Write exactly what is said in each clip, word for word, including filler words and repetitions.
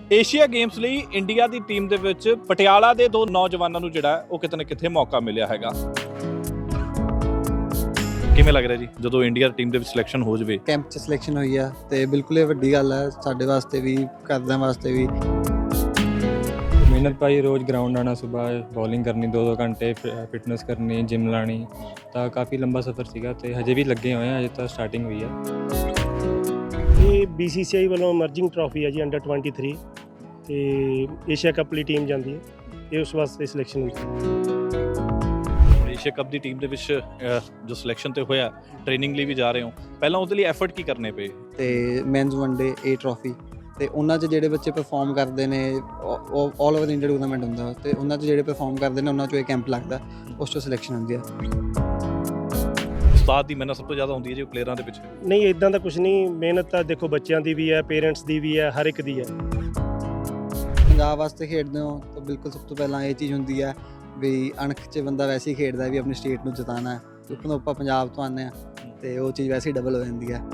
Asia games ਲਈ India ਦੀ team ਦੇ ਵਿੱਚ ਪਟਿਆਲਾ ਦੇ ਦੋ ਨੌਜਵਾਨਾਂ ਨੂੰ ਜਿਹੜਾ ਉਹ ਕਿਤੇ ਨਾ ਕਿਤੇ ਮੌਕਾ ਮਿਲਿਆ ਹੈਗਾ। ਕਿਵੇਂ ਲੱਗ ਰਿਹਾ ਜੀ ਜਦੋਂ ਇੰਡੀਆ ਟੀਮ ਦੇ ਵਿੱਚ ਸਿਲੈਕਸ਼ਨ ਹੋ ਜਾਵੇ? ਕੈਂਪ 'ਚ ਸਿਲੈਕਸ਼ਨ ਹੋਈ ਆ ਤੇ ਬਿਲਕੁਲ ਇਹ ਵੱਡੀ ਗੱਲ ਹੈ ਸਾਡੇ ਵਾਸਤੇ ਵੀ, ਘਰਦਿਆਂ ਵਾਸਤੇ ਵੀ। ਮਿਹਨਤ ਭਾਈ, ਰੋਜ਼ ਗਰਾਊਂਡ ਆਉਣਾ, ਸਵੇਰ ਬੋਲਿੰਗ ਕਰਨੀ, ਦੋ ਦੋ ਘੰਟੇ ਫਿਟਨੈਸ ਕਰਨੀ, ਜਿਮ ਲਾਣੀ, ਤਾਂ ਕਾਫੀ ਲੰਬਾ ਸਫ਼ਰ ਸੀਗਾ ਤੇ ਹਜੇ ਵੀ ਲੱਗੇ ਹੋਏ ਆ, ਹਜੇ ਤਾਂ ਸਟਾਰਟਿੰਗ ਹੋਈ ਆ। ਇਹ ਬੀ ਸੀ ਸੀ ਆਈ ਵੱਲੋਂ ਅਮਰਜਿੰਗ ਟਰਾਫੀ ਹੈ ਜੀ ਅੰਡਰ तेईस ਤੇ ਏਸ਼ੀਆ ਕੱਪ ਲਈ ਟੀਮ ਜਾਂਦੀ ਹੈ, ਇਹ ਉਸ ਵਾਸਤੇ ਸਿਲੈਕਸ਼ਨ ਹੋਈ ਸੀ। ਏਸ਼ੀਆ ਕੱਪ ਦੀ ਟੀਮ ਦੇ ਵਿੱਚ ਜੋ ਸਿਲੈਕਸ਼ਨ ਤੇ ਹੋਇਆ, ਟ੍ਰੇਨਿੰਗ ਲਈ ਵੀ ਜਾ ਰਹੇ ਹੋ, ਪਹਿਲਾਂ ਉਹਦੇ ਲਈ ਐਫਰਟ ਕੀ ਕਰਨੇ ਪਏ? ਤੇ ਮੈਨਸ ਵਨਡੇ ਏ ਟਰਾਫੀ ਤੇ ਉਹਨਾਂ 'ਚ ਜਿਹੜੇ ਬੱਚੇ ਪਰਫਾਰਮ ਕਰਦੇ ਨੇ, ਉਹ ਆਲ ਓਵਰ ਇੰਡੀਆ ਟੂਰਨਾਮੈਂਟ ਹੁੰਦਾ ਤੇ ਉਹਨਾਂ 'ਚ ਜਿਹੜੇ ਪਰਫਾਰਮ ਕਰਦੇ ਨੇ ਉਹਨਾਂ 'ਚੋਂ ਇਹ ਕੈਂਪ ਲੱਗਦਾ, ਉਸ 'ਚੋਂ ਸਿਲੈਕਸ਼ਨ ਹੁੰਦੀ ਆ। ਉਸਤਾਦ ਦੀ ਮਿਹਨਤ ਸਭ ਤੋਂ ਜ਼ਿਆਦਾ ਹੁੰਦੀ ਹੈ ਜੀ ਪਲੇਅਰਾਂ ਦੇ ਪਿੱਛੇ? ਨਹੀਂ, ਇਦਾਂ ਦਾ ਕੁਝ ਨਹੀਂ, ਮਿਹਨਤ ਤਾਂ ਦੇਖੋ ਬੱਚਿਆਂ ਦੀ ਵੀ ਹੈ, ਪੇਰੈਂਟਸ ਦੀ ਵੀ ਹੈ, ਹਰ ਇੱਕ ਦੀ ਹੈ। ਪੰਜਾਬ ਵਾਸਤੇ ਖੇਡਦੇ ਹੋ ਤਾਂ ਬਿਲਕੁਲ ਸਭ ਤੋਂ ਪਹਿਲਾਂ ਇਹ ਚੀਜ਼ ਹੁੰਦੀ ਹੈ ਵੀ ਅਣਖ 'ਚ ਬੰਦਾ ਵੈਸੇ ਹੀ ਖੇਡਦਾ ਵੀ ਆਪਣੀ ਸਟੇਟ ਨੂੰ ਜਿਤਾਉਣਾ ਹੈ, ਕਿਉਂਕਿ ਆਪਾਂ ਪੰਜਾਬ ਤੋਂ ਆਉਂਦੇ ਹਾਂ ਤੇ ਉਹ ਚੀਜ਼ ਵੈਸੇ ਹੀ ਡਬਲ ਹੋ ਜਾਂਦੀ ਹੈ।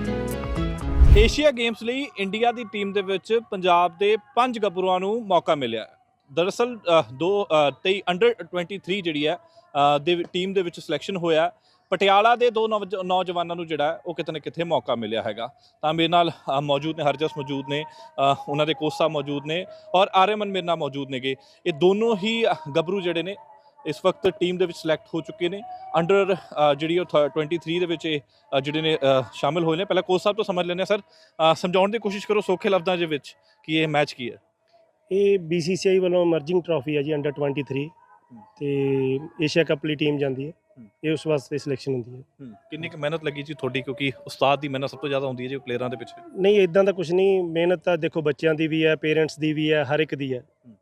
ਏਸ਼ੀਆ ਗੇਮਸ ਲਈ ਇੰਡੀਆ ਦੀ ਟੀਮ ਦੇ ਵਿੱਚ ਪੰਜਾਬ ਦੇ ਪੰਜ ਗੱਭਰੂਆਂ ਨੂੰ ਮੌਕਾ ਮਿਲਿਆ। ਦਰਅਸਲ ਦੋ ਤੇਈ ਅੰਡਰ तेईस ਜਿਹੜੀ ਹੈ ਦੇ ਟੀਮ ਦੇ ਵਿੱਚ ਸਿਲੈਕਸ਼ਨ ਹੋਇਆ। ਪਟਿਆਲਾ ਦੇ ਦੋ ਨੌਜਵਾਨਾਂ ਨੂੰ ਜਿਹੜਾ ਉਹ ਕਿਤੇ ਨਾ ਕਿਤੇ ਮੌਕਾ ਮਿਲਿਆ ਹੈਗਾ। ਤਾਂ ਮੇਰੇ ਨਾਲ ਮੌਜੂਦ ਨੇ ਹਰਜਸ, ਮੌਜੂਦ ਨੇ ਉਹਨਾਂ ਦੇ ਕੋਚ ਸਾਹਿਬ ਮੌਜੂਦ ਨੇ, ਔਰ ਆਰਿਆਮਨ ਮੇਰੇ ਨਾਲ ਮੌਜੂਦ ਨੇਗੇ। ਇਹ ਦੋਨੋਂ ਹੀ ਗੱਭਰੂ ਜਿਹੜੇ ਨੇ ਇਸ ਵਕਤ ਟੀਮ ਦੇ ਵਿੱਚ ਸਿਲੈਕਟ ਹੋ ਚੁੱਕੇ ਨੇ। ਅੰਡਰ ਜਿਹੜੀ ਉਹ तेईस ਦੇ ਵਿੱਚ ਇਹ ਜਿਹੜੇ ਨੇ ਸ਼ਾਮਿਲ ਹੋਏ ਨੇ। ਪਹਿਲਾਂ ਕੋਚ ਸਾਹਿਬ ਤੋਂ ਸਮਝ ਲੈਂਦੇ ਹਾਂ। ਸਰ, ਸਮਝਾਉਣ ਦੀ ਕੋਸ਼ਿਸ਼ ਕਰੋ ਸੌਖੇ ਲਫ਼ਜ਼ਾਂ ਦੇ ਵਿੱਚ ਕਿ ਇਹ ਮੈਚ ਕੀ ਹੈ। ਇਹ ਬੀ ਸੀ ਸੀ ਆਈ ਵੱਲੋਂ ਅਮਰਜਿੰਗ ਟਰਾਫੀ ਹੈ ਜੀ ਅੰਡਰ तेईस ਤੇ ਏਸ਼ੀਆ ਕੱਪ ਲਈ ਟੀਮ ਜਾਂਦੀ ਹੈ, ਇਹ ਉਸ ਵਾਸਤੇ ਸਿਲੈਕਸ਼ਨ ਹੁੰਦੀ ਹੈ। ਕਿੰਨੀ ਕੁ ਮਿਹਨਤ ਲੱਗੀ ਜੀ ਤੁਹਾਡੀ, ਕਿਉਂਕਿ ਉਸਤਾਦ ਦੀ ਮਿਹਨਤ ਸਭ ਤੋਂ ਜ਼ਿਆਦਾ ਹੁੰਦੀ ਹੈ ਜੀ ਪਲੇਅਰਾਂ ਦੇ ਪਿੱਛੇ? ਨਹੀਂ, ਇਦਾਂ ਦਾ ਕੁਝ ਨਹੀਂ, ਮਿਹਨਤ ਤਾਂ ਦੇਖੋ ਬੱਚਿਆਂ ਦੀ ਵੀ ਹੈ, ਪੇਰੈਂਟਸ ਦੀ ਵੀ ਹੈ, ਹਰ ਇੱਕ ਦੀ ਹੈ,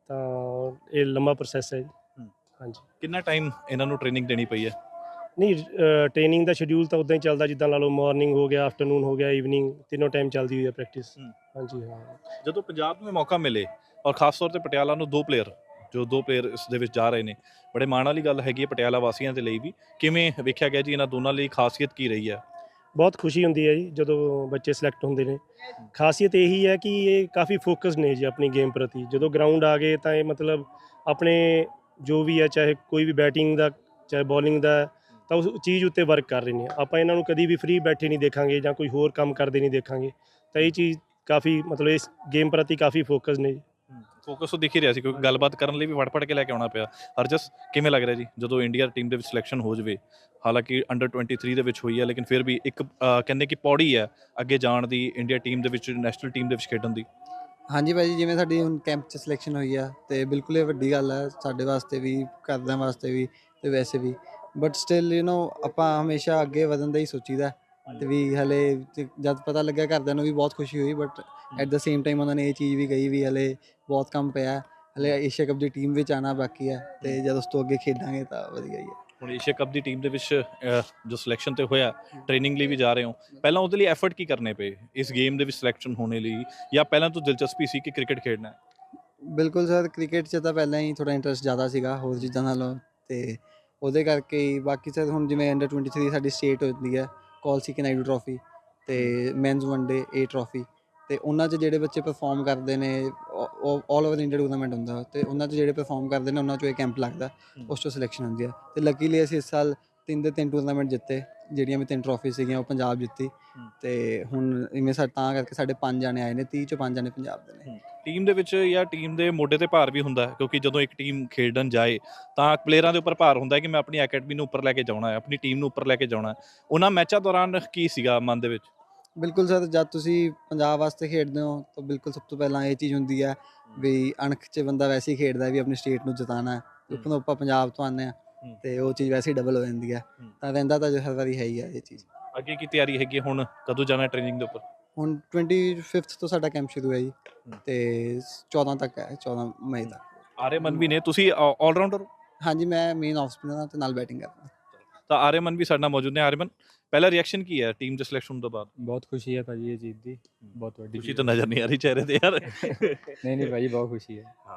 ਤਾਂ ਇਹ ਲੰਬਾ ਪ੍ਰੋਸੈਸ ਹੈ ਜੀ। ਹਾਂਜੀ। ਕਿੰਨਾ ਟਾਈਮ ਇਹਨਾਂ ਨੂੰ ਟ੍ਰੇਨਿੰਗ ਦੇਣੀ ਪਈ ਹੈ? ਨਹੀਂ, ਟ੍ਰੇਨਿੰਗ ਦਾ ਸ਼ਡਿਊਲ ਤਾਂ ਉਦਾਂ ਹੀ ਚੱਲਦਾ ਜਿੱਦਾਂ ਲਾ ਲਓ, ਮਾਰਨਿੰਗ ਹੋ ਗਿਆ, ਆਫਟਰਨੂਨ ਹੋ ਗਿਆ, ਈਵਨਿੰਗ, ਤਿੰਨੋਂ ਟਾਈਮ ਚੱਲਦੀ ਹੋਈ ਹੈ ਪ੍ਰੈਕਟਿਸ। ਹਾਂਜੀ ਹਾਂ। ਜਦੋਂ ਪੰਜਾਬ ਨੂੰ ਮੌਕਾ ਮਿਲੇ ਔਰ ਖਾਸ ਤੌਰ ਤੇ ਪਟਿਆਲਾ ਨੂੰ ਦੋ ਪਲੇਅਰ ਜੋ ਦੋ ਪਲੇਅਰ ਇਸ ਦੇ ਵਿੱਚ ਜਾ ਰਹੇ ਨੇ, ਬੜੇ ਮਾਣ ਵਾਲੀ ਗੱਲ ਹੈਗੀ ਹੈ ਪਟਿਆਲਾ ਵਾਸੀਆਂ ਦੇ ਲਈ ਵੀ। ਕਿਵੇਂ ਵੇਖਿਆ ਗਿਆ ਜੀ ਇਹਨਾਂ ਦੋਨਾਂ ਲਈ, ਖਾਸੀਅਤ ਕੀ ਰਹੀ ਹੈ? ਬਹੁਤ ਖੁਸ਼ੀ ਹੁੰਦੀ ਹੈ ਜੀ ਜਦੋਂ ਬੱਚੇ ਸਿਲੈਕਟ ਹੁੰਦੇ ਨੇ। ਖਾਸੀਅਤ ਇਹੀ ਹੈ ਕਿ ਇਹ ਕਾਫੀ ਫੋਕਸਡ ਨੇ ਜੀ ਆਪਣੀ ਗੇਮ ਪ੍ਰਤੀ। ਜਦੋਂ ਗਰਾਊਂਡ ਆ ਗਏ ਤਾਂ ਇਹ ਮਤਲਬ ਆਪਣੇ ਜੋ ਵੀ ਹੈ, ਚਾਹੇ ਕੋਈ ਵੀ ਬੈਟਿੰਗ ਦਾ ਚਾਹੇ ਬੋਲਿੰਗ ਦਾ, ਤਾਂ ਉਸ ਚੀਜ਼ ਉੱਤੇ ਵਰਕ ਕਰ ਰਹੇ ਨੇ। ਆਪਾਂ ਇਹਨਾਂ ਨੂੰ ਕਦੀ ਵੀ ਫ੍ਰੀ ਬੈਠੇ ਨਹੀਂ ਦੇਖਾਂਗੇ ਜਾਂ ਕੋਈ ਹੋਰ ਕੰਮ ਕਰਦੇ ਨਹੀਂ ਦੇਖਾਂਗੇ। ਤਾਂ ਇਹ ਚੀਜ਼ ਕਾਫੀ ਮਤਲਬ ਇਸ ਗੇਮ ਪ੍ਰਤੀ ਕਾਫੀ ਫੋਕਸ ਨੇ ਜੀ। ਫੋਕਸ ਤੋਂ ਦਿਖ ਹੀ ਰਿਹਾ ਸੀ, ਕਿਉਂਕਿ ਗੱਲਬਾਤ ਕਰਨ ਲਈ ਵੀ ਫੜ ਫੜ ਕੇ ਲੈ ਕੇ ਆਉਣਾ ਪਿਆ। ਹਰਜਸ, ਕਿਵੇਂ ਲੱਗ ਰਿਹਾ ਜੀ ਜਦੋਂ ਇੰਡੀਆ ਟੀਮ ਦੇ ਵਿੱਚ ਸਿਲੈਕਸ਼ਨ ਹੋ ਜਾਵੇ? ਹਾਲਾਂਕਿ ਅੰਡਰ तेईस ਦੇ ਵਿੱਚ ਹੋਈ ਹੈ, ਲੇਕਿਨ ਫਿਰ ਵੀ ਇੱਕ ਕਹਿੰਦੇ ਕਿ ਪੌੜੀ ਹੈ ਅੱਗੇ ਜਾਣ ਦੀ, ਇੰਡੀਆ ਟੀਮ ਦੇ ਵਿੱਚ, ਨੈਸ਼ਨਲ ਟੀਮ ਦੇ ਵਿੱਚ ਖੇਡਣ ਦੀ। ਹਾਂਜੀ ਭਾਈ ਜੀ, ਜਿਵੇਂ ਸਾਡੀ ਹੁਣ ਕੈਂਪ 'ਚ ਸਿਲੈਕਸ਼ਨ ਹੋਈ ਆ ਤੇ ਬਿਲਕੁਲ ਇਹ ਵੱਡੀ ਗੱਲ ਹੈ ਸਾਡੇ ਵਾਸਤੇ ਵੀ, ਘਰਦਿਆਂ ਵਾਸਤੇ ਵੀ ਤੇ ਵੈਸੇ ਵੀ। ਬਟ ਸਟਿਲ ਯੂ ਨੋ ਆਪਾਂ ਹਮੇਸ਼ਾ ਅੱਗੇ ਵਧਣ ਦਾ ਹੀ ਸੋਚੀਦਾ ਤੇ ਵੀ ਹਲੇ ਜਦ ਪਤਾ ਲੱਗਿਆ ਘਰਦਿਆਂ ਨੂੰ ਵੀ ਬਹੁਤ ਖੁਸ਼ੀ ਹੋਈ। But at the same time ਉਹਨਾਂ ਨੇ ਇਹ ਚੀਜ਼ ਵੀ ਕਹੀ ਵੀ ਹਲੇ ਬਹੁਤ ਕੰਮ ਪਿਆ, ਹਲੇ ਏਸ਼ੀਆ ਕੱਪ ਦੀ ਟੀਮ ਵਿੱਚ ਆਉਣਾ ਬਾਕੀ ਹੈ ਤੇ ਜਦ ਉਸ ਤੋਂ ਅੱਗੇ ਖੇਡਾਂਗੇ ਤਾਂ ਵਧੀਆ ਹੀ ਹੈ। ਹੁਣ ਏਸ਼ੀਆ ਕੱਪ ਦੀ ਟੀਮ ਦੇ ਵਿੱਚ ਜੋ ਸਿਲੈਕਸ਼ਨ ਤੇ ਹੋਇਆ, ਟ੍ਰੇਨਿੰਗ ਲਈ ਵੀ ਜਾ ਰਹੇ ਹੋ, ਪਹਿਲਾਂ ਉਹਦੇ ਲਈ ਐਫਰਟ ਕੀ ਕਰਨੇ ਪਏ ਇਸ ਗੇਮ ਦੇ ਵਿੱਚ ਸਿਲੈਕਸ਼ਨ ਹੋਣੇ ਲਈ, ਜਾਂ ਪਹਿਲਾਂ ਤੋਂ ਦਿਲਚਸਪੀ ਸੀ ਕਿ ਕ੍ਰਿਕਟ ਖੇਡਣਾ ਹੈ? ਬਿਲਕੁਲ ਸਰ, ਕ੍ਰਿਕਟ 'ਚ ਤਾਂ ਪਹਿਲਾਂ ਹੀ ਥੋੜ੍ਹਾ ਇੰਟਰਸਟ ਜ਼ਿਆਦਾ ਸੀਗਾ ਹੋਰ ਚੀਜ਼ਾਂ ਨਾਲੋਂ, ਤੇ ਉਹਦੇ ਕਰਕੇ ਹੀ। ਬਾਕੀ ਸਰ ਹੁਣ ਜਿਵੇਂ ਅੰਡਰ तेईस ਸਾਡੀ ਸਟੇਟ ਹੁੰਦੀ ਹੈ, ਕੌਲ ਸੀ ਨਾਇਡੂ ਟਰਾਫੀ ਤੇ ਮੈਨਸ ਵਨਡੇ ਏ ਟਰਾਫੀ, ਤੇ ਉਹਨਾਂ 'ਚ ਜਿਹੜੇ ਬੱਚੇ ਪਰਫਾਰਮ ਕਰਦੇ ਨੇ, ਉਹ ਆਲ ਓਵਰ ਇੰਡੀਆ ਟੂਰਨਾਮੈਂਟ ਹੁੰਦਾ ਤੇ ਉਹਨਾਂ 'ਚ ਜਿਹੜੇ ਪਰਫਾਰਮ ਕਰਦੇ ਨੇ ਉਹਨਾਂ 'ਚੋਂ ਇਹ ਕੈਂਪ ਲੱਗਦਾ, ਉਸ 'ਚੋਂ ਸਿਲੈਕਸ਼ਨ ਹੁੰਦੀ ਹੈ। ਤੇ ਲੱਕੀਲੀ ਅਸੀਂ ਇਸ ਸਾਲ ਤਿੰਨ ਦੇ ਤਿੰਨ ਟੂਰਨਾਮੈਂਟ ਜਿੱਤੇ, ਜਿਹੜੀਆਂ ਵੀ ਤਿੰਨ ਟਰਾਫੀ ਸੀਗੀਆਂ ਉਹ ਪੰਜਾਬ ਜਿੱਤੀ। ਤੇ ਹੁਣ ਇਵੇਂ ਸਾ ਤਾਂ ਕਰਕੇ ਸਾਡੇ ਪੰਜ ਜਾਣੇ ਆਏ ਨੇ, ਤੀਹ 'ਚੋਂ ਪੰਜ ਜਾਣੇ ਪੰਜਾਬ ਦੇ ਨੇ। ਟੀਮ ਦੇ ਵਿੱਚ ਜਾਂ ਟੀਮ ਦੇ ਮੋਢੇ ਤੇ ਭਾਰ ਵੀ ਹੁੰਦਾ ਹੈ, ਕਿਉਂਕਿ ਜਦੋਂ ਇੱਕ ਟੀਮ ਖੇਡਣ ਜਾਏ ਤਾਂ ਪਲੇਅਰਾਂ ਦੇ ਉੱਪਰ ਭਾਰ ਹੁੰਦਾ ਹੈ ਕਿ ਮੈਂ ਆਪਣੀ ਅਕੈਡਮੀ ਨੂੰ ਉੱਪਰ ਲੈ ਕੇ ਜਾਣਾ ਹੈ, ਆਪਣੀ ਟੀਮ ਨੂੰ ਉੱਪਰ ਲੈ ਕੇ ਜਾਣਾ ਹੈ। ਉਹਨਾਂ ਮੈਚਾਂ ਦੌਰਾਨ ਕੀ ਸੀਗਾ ਮਨ ਦੇ ਵਿੱਚ? ਬਿਲਕੁਲ ਸਰ, ਜਦ ਤੁਸੀਂ ਪੰਜਾਬ ਵਾਸਤੇ ਖੇਡਦੇ ਹੋ ਤਾਂ ਬਿਲਕੁਲ ਸਭ ਤੋਂ ਪਹਿਲਾਂ ਇਹ ਚੀਜ਼ ਹੁੰਦੀ ਹੈ ਵੀ ਅਣਖ 'ਚ ਬੰਦਾ ਵੈਸੇ ਹੀ ਖੇਡਦਾ ਵੀ ਆਪਣੀ ਸਟੇਟ ਨੂੰ ਜਿਤਾਉਣਾ ਹੈ, ਕਿਉਂਕਿ ਆਪਾਂ ਪੰਜਾਬ ਤੋਂ ਆਉਂਦੇ ਹਾਂ ਤੇ ਉਹ ਚੀਜ਼ ਵੈਸੇ ਹੀ ਡਬਲ ਹੋ ਜਾਂਦੀ ਹੈ। ਤਾਂ ਰਹਿੰਦਾ ਤਾਂ ਹਰ ਵਾਰੀ ਹੈ ਹੀ ਹੈ ਇਹ ਚੀਜ਼। ਅੱਗੇ ਕੀ ਤਿਆਰੀ ਹੈਗੀ? ਹੁਣ ਕਦੋਂ ਜਾਣਾ ਟ੍ਰੇਨਿੰਗ ਦੇ ਉੱਪਰ? ਹੁਣ ਪੱਚੀਸ ਤੋਂ ਸਾਡਾ ਕੈਂਪ ਸ਼ੁਰੂ ਹੈ ਜੀ ਤੇ ਚੌਦਾਂ ਤੱਕ ਹੈ, ਚੌਦਾਂ ਮਈ ਤੱਕ। ਆਰਿਆਮਨ ਵੀ ਨੇ, ਤੁਸੀਂ ਆਲਰਾਊਂਡਰ? ਹਾਂਜੀ, ਮੈਂ ਮੇਨ ਆਫ ਸਪਿਨਰ ਹਾਂ ਤੇ ਨਾਲ ਬੈਟਿੰਗ ਕਰਦਾ। ਤਾਂ ਆਰਿਆਮਨ ਵੀ ਸਾਡੇ ਨਾਲ ਮੌਜੂਦ ਨੇ। ਆਰਿਆਮਨ, ਪਹਿਲਾ ਰਿਐਕਸ਼ਨ ਕੀ ਹੈ ਟੀਮ ਦੇ ਸਿਲੈਕਸ਼ਨ ਤੋਂ ਬਾਅਦ? ਬਹੁਤ ਖੁਸ਼ੀ ਹੈ ਭਾਜੀ ਇਹ ਚੀਜ਼ ਦੀ, ਬਹੁਤ ਵੱਡੀ ਖੁਸ਼ੀ ਤਾਂ ਨਜ਼ਰ ਨਹੀਂ ਆ ਰਹੀ ਚਿਹਰੇ ਤੇ ਯਾਰ। ਨਹੀਂ ਨਹੀਂ ਭਾਜੀ, ਬਹੁਤ ਖੁਸ਼ੀ ਹੈ। ਹਾਂ,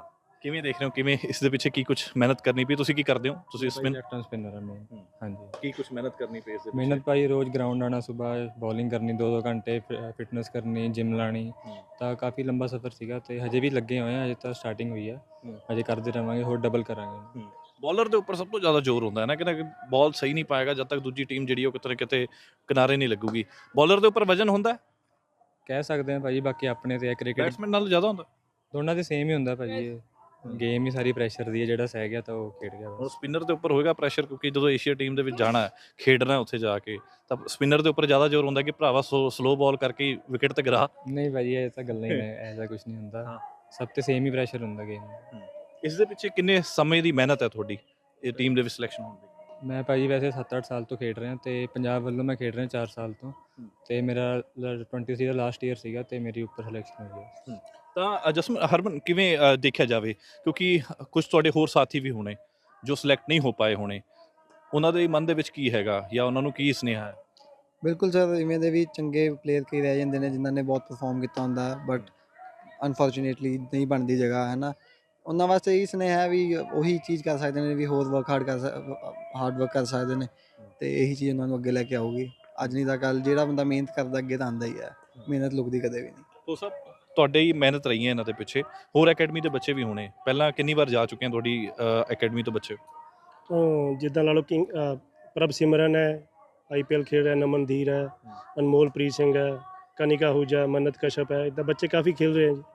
ਕਿਵੇਂ ਦੇਖ ਰਹੇ ਹੋ ਕਿਵੇਂ ਇਸ ਦੇ ਪਿੱਛੇ ਕੀ ਕੁਝ ਮਿਹਨਤ ਕਰਨੀ ਪਈ ਤੁਸੀਂ ਕੀ ਕਰਦੇ ਹੋ ਤੁਸੀਂ ਸਪਿਨ ਲੈਫਟ ਹੈਂਡ ਸਪਿਨਰ ਹੈ ਮੈਂ ਹੂੰ। ਹਾਂਜੀ ਕੀ ਕੁਝ ਮਿਹਨਤ ਕਰਨੀ ਪਈ ਇਸ ਦੇ ਮਿਹਨਤ ਭਾਈ ਰੋਜ਼ ਗਰਾਊਂਡ ਆਉਣਾ ਸਵੇਰ ਬੋਲਿੰਗ ਕਰਨੀ ਦੋ ਦੋ ਘੰਟੇ ਫਿਟਨੈਸ ਕਰਨੀ ਜਿਮ ਲਾਣੀ ਹੂੰ। ਤਾਂ ਕਾਫੀ ਲੰਬਾ ਸਫ਼ਰ ਸੀਗਾ ਤੇ ਹਜੇ ਵੀ ਲੱਗੇ ਹੋਏ ਆ, ਹਜੇ ਤਾਂ ਸਟਾਰਟਿੰਗ ਹੋਈ ਆ, ਹੂੰ। ਹਜੇ ਕਰਦੇ ਰਹਾਂਗੇ, ਹੋਰ ਡਬਲ ਕਰਾਂਗੇ। ਬੋਲਰ ਦੇ ਉੱਪਰ ਸਭ ਤੋਂ ਜ਼ਿਆਦਾ ਜ਼ੋਰ ਹੁੰਦਾ ਹੈ ਨਾ ਕਿ ਬਾਲ ਸਹੀ ਨਹੀਂ ਪਾਏਗਾ ਜਦ ਤੱਕ ਦੂਜੀ ਟੀਮ ਜਿਹੜੀ ਉਹ ਕਿਤੇ ਨਾ ਕਿਤੇ ਕਿਨਾਰੇ ਨਹੀਂ ਲੱਗੂਗੀ। ਬੋਲਰ ਦੇ ਉੱਪਰ ਵਜਨ ਹੁੰਦਾ ਹੈ ਕਹਿ ਸਕਦੇ ਆ ਭਾਜੀ, ਬਾਕੀ ਆਪਣੇ ਤੇ ਕ੍ਰਿਕਟ ਬੈਟਸਮੈਨ ਨਾਲੋਂ ਜ਼ਿਆਦਾ ਹੁੰਦਾ। ਦੋਨਾਂ ਦੇ ਸੇਮ ਹੀ ਹੁੰਦਾ ਭਾਜੀ, ਗੇਮ ਹੀ ਸਾਰੀ ਪ੍ਰੈਸ਼ਰ ਦੀ ਹੈ, ਜਿਹੜਾ ਸਹਿ ਗਿਆ ਤਾਂ ਉਹ ਖੇਡ ਗਿਆ ਹੁਣ ਬਸ। ਸਪਿਨਰ ਦੇ ਉੱਪਰ ਹੋਏਗਾ ਪ੍ਰੈਸ਼ਰ ਕਿਉਂਕਿ ਜਦੋਂ ਏਸ਼ੀਆ ਟੀਮ ਦੇ ਵਿੱਚ ਜਾਣਾ ਹੈ ਖੇਡਣਾ ਉੱਥੇ ਜਾ ਕੇ ਤਾਂ ਸਪਿਨਰ ਦੇ ਉੱਪਰ ਜ਼ਿਆਦਾ ਜ਼ੋਰ ਹੁੰਦਾ ਕਿ ਭਰਾਵਾ ਸਲੋ ਬਾਲ ਕਰਕੇ ਵਿਕਟ ਤੇ ਗਿਰਾ। ਨਹੀਂ ਭਾਜੀ ਇਹ ਤਾਂ ਗੱਲਾਂ ਹੀ ਨੇ, ਐਸਾ ਕੁਝ ਨਹੀਂ ਹੁੰਦਾ, ਹਾਂ। ਸਭ ਤੇ ਸੇਮ ਹੀ ਪ੍ਰੈਸ਼ਰ ਹੁੰਦਾ ਗੇਮ। ਇਸ ਦੇ ਪਿੱਛੇ ਕਿੰਨੇ ਸਮੇਂ ਦੀ ਮਿਹਨਤ ਹੈ ਤੁਹਾਡੀ ਇਹ ਟੀਮ ਦੇ ਵਿੱਚ ਸਿਲੈਕਸ਼ਨ ਹੋਣ ਦੀ? ਮੈਂ ਭਾਜੀ ਵੈਸੇ ਸੱਤ ਅੱਠ ਸਾਲ ਤੋਂ ਖੇਡ ਰਿਹਾ ਤੇ ਪੰਜਾਬ ਵੱਲੋਂ ਮੈਂ ਖੇਡ ਰਿਹਾ ਚਾਰ ਸਾਲ ਤੋਂ, ਤੇ ਮੇਰਾ ਟਵੈਂਟੀ ਥ੍ਰੀ ਦਾ ਲਾਸਟ ਈਅਰ ਸੀਗਾ ਤੇ ਮੇਰੀ ਉੱਪਰ ਸਿਲੈਕਸ਼ਨ ਹੋਈ ਹੈ। ਤਾਂ ਜਸਮਨ ਹਰਮਨ ਕਿਵੇਂ ਅ, ਦੇਖਿਆ ਜਾਵੇ ਕਿਉਂਕਿ ਕੁਝ ਤੁਹਾਡੇ ਹੋਰ ਸਾਥੀ ਵੀ ਹੋਣੇ ਜੋ ਸਿਲੈਕਟ ਨਹੀਂ ਹੋ ਪਾਏ ਹੋਣੇ, ਉਹਨਾਂ ਦੇ ਮਨ ਦੇ ਵਿੱਚ ਕੀ ਹੈਗਾ ਜਾਂ ਉਹਨਾਂ ਨੂੰ ਕੀ ਸੁਨੇਹਾ ਹੈ? ਬਿਲਕੁਲ ਸਰ, ਇਵੇਂ ਦੇ ਵੀ ਚੰਗੇ ਪਲੇਅਰ ਕਈ ਰਹਿ ਜਾਂਦੇ ਨੇ ਜਿਨ੍ਹਾਂ ਨੇ ਬਹੁਤ ਪਰਫਾਰਮ ਕੀਤਾ ਹੁੰਦਾ ਬਟ ਅਨਫੋਰਚੂਨੇਟਲੀ ਨਹੀਂ ਬਣਦੀ ਜਗ੍ਹਾ ਹੈ ਨਾ। ਉਹਨਾਂ ਵਾਸਤੇ ਇਹ ਸੁਨੇਹਾ ਹੈ ਵੀ ਉਹੀ ਚੀਜ਼ ਕਰ ਸਕਦੇ ਨੇ, ਵੀ ਹੋਰ ਵਰਕ ਹਾਰਡ ਕਰ ਹਾਰਡ ਵਰਕ ਕਰ ਸਕਦੇ ਨੇ ਤੇ ਇਹੀ ਚੀਜ਼ ਉਹਨਾਂ ਨੂੰ ਅੱਗੇ ਲੈ ਕੇ ਆਊਗੀ। ਅੱਜ ਨਹੀਂ ਤਾਂ ਕੱਲ੍ਹ ਜਿਹੜਾ ਬੰਦਾ ਮਿਹਨਤ ਕਰਦਾ ਅੱਗੇ ਤਾਂ ਆਉਂਦਾ ਹੀ ਹੈ, ਮਿਹਨਤ ਲੁਕਦੀ ਕਦੇ ਵੀ ਨਹੀਂ। ਉਹ ਸਭ ਤੁਹਾਡੇ ਹੀ ਮਿਹਨਤ ਰਹੀ ਹੈ ਇਹਨਾਂ ਦੇ ਪਿੱਛੇ, ਹੋਰ ਅਕੈਡਮੀ ਦੇ ਬੱਚੇ ਵੀ ਹੋਣੇ, ਪਹਿਲਾਂ ਕਿੰਨੀ ਵਾਰ ਜਾ ਚੁੱਕੇ ਆ ਤੁਹਾਡੀ ਅਕੈਡਮੀ ਤੋਂ ਬੱਚੇ? ਤੋਂ ਜਿੱਦਾਂ ਲਾ ਲਓ ਕਿੰਗ ਅ, ਪ੍ਰਭ ਸਿਮਰਨ ਹੈ, ਆਈ ਪੀ ਐਲ ਖੇਡ ਰਿਹਾ, ਨਮਨਧੀਰ ਹੈ, ਅਨਮੋਲਪ੍ਰੀਤ ਸਿੰਘ ਹੈ, ਕਨਿਕਾ ਹੂਜਾ, ਮੰਨਤ ਕਸ਼ਪ ਹੈ, ਇੱਦਾਂ ਬੱਚੇ ਕਾਫੀ ਖੇਲ ਰਹੇ ਹੈ ਜੀ।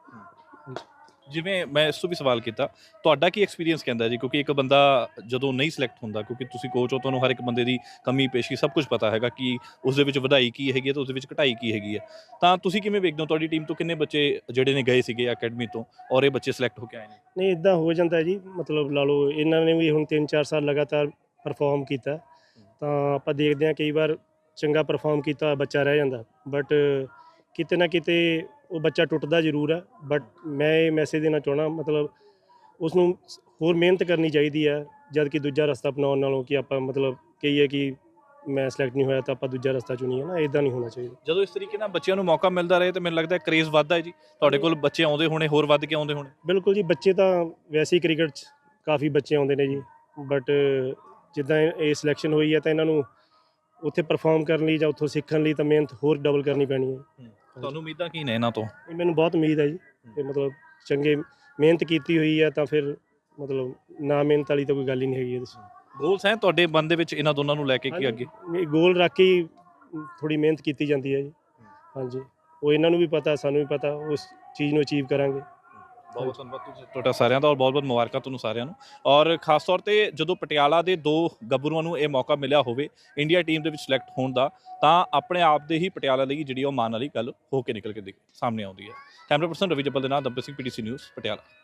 ਜਿਵੇਂ ਮੈਂ ਇਸ ਤੋਂ ਵੀ ਸਵਾਲ ਕੀਤਾ, ਤੁਹਾਡਾ ਕੀ ਐਕਸਪੀਰੀਅੰਸ ਕਹਿੰਦਾ ਜੀ ਕਿਉਂਕਿ ਇੱਕ ਬੰਦਾ ਜਦੋਂ ਨਹੀਂ ਸਿਲੈਕਟ ਹੁੰਦਾ, ਕਿਉਂਕਿ ਤੁਸੀਂ ਕੋਚ ਹੋ, ਤੁਹਾਨੂੰ ਹਰ ਇੱਕ ਬੰਦੇ ਦੀ ਕਮੀ ਪੇਸ਼ੀ ਸਭ ਕੁਝ ਪਤਾ ਹੈਗਾ ਕਿ ਉਸ ਦੇ ਵਿੱਚ ਵਧਾਈ ਕੀ ਹੈਗੀ ਹੈ ਤੇ ਉਸ ਦੇ ਵਿੱਚ ਘਟਾਈ ਕੀ ਹੈਗੀ ਹੈ, ਤਾਂ ਤੁਸੀਂ ਕਿਵੇਂ ਵੇਖਦੇ ਹੋ ਤੁਹਾਡੀ ਟੀਮ ਤੋਂ ਕਿੰਨੇ ਬੱਚੇ ਜਿਹੜੇ ਨੇ ਗਏ ਸੀਗੇ ਅਕੈਡਮੀ ਤੋਂ ਔਰ ਇਹ ਬੱਚੇ ਸਿਲੈਕਟ ਹੋ ਕੇ ਆਏ ਨੇ? ਨਹੀਂ ਇੱਦਾਂ ਹੋ ਜਾਂਦਾ ਜੀ, ਮਤਲਬ ਲਾ ਲਓ ਇਹਨਾਂ ਨੇ ਵੀ ਹੁਣ ਤਿੰਨ ਚਾਰ ਸਾਲ ਲਗਾਤਾਰ ਪਰਫਾਰਮ ਕੀਤਾ, ਤਾਂ ਆਪਾਂ ਦੇਖਦੇ ਹਾਂ ਕਈ ਵਾਰ ਚੰਗਾ ਪਰਫਾਰਮ ਕੀਤਾ ਹੋਇਆ ਬੱਚਾ ਰਹਿ ਜਾਂਦਾ, ਬਟ ਕਿਤੇ ਨਾ ਕਿਤੇ ਉਹ ਬੱਚਾ ਟੁੱਟਦਾ ਜ਼ਰੂਰ ਹੈ। ਬਟ ਮੈਂ ਇਹ ਮੈਸੇਜ ਦੇਣਾ ਚਾਹੁੰਦਾ, ਮਤਲਬ ਉਸ ਨੂੰ ਹੋਰ ਮਿਹਨਤ ਕਰਨੀ ਚਾਹੀਦੀ ਹੈ, ਜਦ ਕਿ ਦੂਜਾ ਰਸਤਾ ਅਪਣਾਉਣ ਨਾਲੋਂ ਕਿ ਆਪਾਂ ਮਤਲਬ ਕਹੀਏ ਕਿ ਮੈਂ ਸਿਲੈਕਟ ਨਹੀਂ ਹੋਇਆ ਤਾਂ ਆਪਾਂ ਦੂਜਾ ਰਸਤਾ ਚੁਣੀਏ ਨਾ, ਇੱਦਾਂ ਨਹੀਂ ਹੋਣਾ ਚਾਹੀਦਾ। ਜਦੋਂ ਇਸ ਤਰੀਕੇ ਨਾਲ ਬੱਚਿਆਂ ਨੂੰ ਮੌਕਾ ਮਿਲਦਾ ਰਹੇ ਤਾਂ ਮੈਨੂੰ ਲੱਗਦਾ ਕਰੇਜ਼ ਵੱਧਦਾ ਹੈ ਜੀ, ਤੁਹਾਡੇ ਕੋਲ ਬੱਚੇ ਆਉਂਦੇ ਹੋਣੇ, ਹੋਰ ਵੱਧ ਕੇ ਆਉਂਦੇ ਹੋਣੇ। ਬਿਲਕੁਲ ਜੀ, ਬੱਚੇ ਤਾਂ ਵੈਸੇ ਹੀ ਕ੍ਰਿਕਟ 'ਚ ਕਾਫੀ ਬੱਚੇ ਆਉਂਦੇ ਨੇ ਜੀ, ਬਟ ਜਿੱਦਾਂ ਇਹ ਇਹ ਸਿਲੈਕਸ਼ਨ ਹੋਈ ਹੈ ਤਾਂ ਇਹਨਾਂ ਨੂੰ ਉੱਥੇ ਪਰਫਾਰਮ ਕਰਨ ਲਈ ਜਾਂ ਉੱਥੋਂ ਸਿੱਖਣ ਲਈ ਤਾਂ ਮਿਹਨਤ ਹੋਰ ਡਬਲ ਕਰਨੀ ਪੈਣੀ ਹੈ। ਤੁਹਾਨੂੰ ਉਮੀਦਾਂ ਕੀ ਨੇ ਇਹਨਾਂ ਤੋਂ? ਇਹ ਮੈਨੂੰ ਬਹੁਤ ਉਮੀਦ ਹੈ ਜੀ, ਕਿ ਮਤਲਬ ਚੰਗੇ ਮਿਹਨਤ ਕੀਤੀ ਹੋਈ ਹੈ ਤਾਂ ਫਿਰ ਮਤਲਬ ਨਾ ਮਿਹਨਤ ਵਾਲੀ ਤਾਂ ਕੋਈ ਗੱਲ ਹੀ ਨਹੀਂ ਹੈਗੀ ਇਹਦੇ 'ਚ। ਗੋਲਸ ਹੈ ਤੁਹਾਡੇ ਮਨ ਦੇ ਵਿੱਚ ਇਹਨਾਂ ਦੋਨਾਂ ਨੂੰ ਲੈ ਕੇ ਕੀ ਅੱਗੇ? ਇਹ ਗੋਲ ਰੱਖ ਕੇ ਹੀ ਥੋੜੀ ਮਿਹਨਤ ਕੀਤੀ ਜਾਂਦੀ ਹੈ ਜੀ। ਹਾਂਜੀ, ਉਹ ਇਹਨਾਂ ਨੂੰ ਵੀ ਪਤਾ, ਸਾਨੂੰ ਵੀ ਪਤਾ, ਉਸ ਚੀਜ਼ ਨੂੰ ਅਚੀਵ ਕਰਾਂਗੇ। ਬਹੁਤ ਬਹੁਤ ਧੰਨਵਾਦ ਤੁਸੀਂ ਤੁਹਾਡਾ ਸਾਰਿਆਂ ਦਾ ਔਰ ਬਹੁਤ ਬਹੁਤ ਮੁਬਾਰਕਾਂ ਤੁਹਾਨੂੰ ਸਾਰਿਆਂ ਨੂੰ। ਔਰ ਖਾਸ ਤੌਰ ਤੇ ਜਦੋਂ ਪਟਿਆਲਾ ਦੇ ਦੋ ਗੱਭਰੂਆਂ ਨੂੰ ਇਹ ਮੌਕਾ ਮਿਲਿਆ ਹੋਵੇ ਇੰਡੀਆ ਟੀਮ ਦੇ ਵਿੱਚ ਸਿਲੈਕਟ ਹੋਣ ਦਾ, ਤਾਂ ਆਪਣੇ ਆਪ ਦੇ ਹੀ ਪਟਿਆਲਾ ਲਈ ਜਿਹੜੀ ਉਹ ਮਾਣ ਵਾਲੀ ਗੱਲ ਹੋ ਕੇ ਨਿਕਲ ਕੇ ਦੇਖ ਸਾਹਮਣੇ ਆਉਂਦੀ ਹੈ। ਕੈਮਰਾ ਪਰਸਨ ਰਵੀ ਜੱਬਲ ਦੇ ਨਾਲ ਦੱਬੇ Singh, P T C news, Patiala.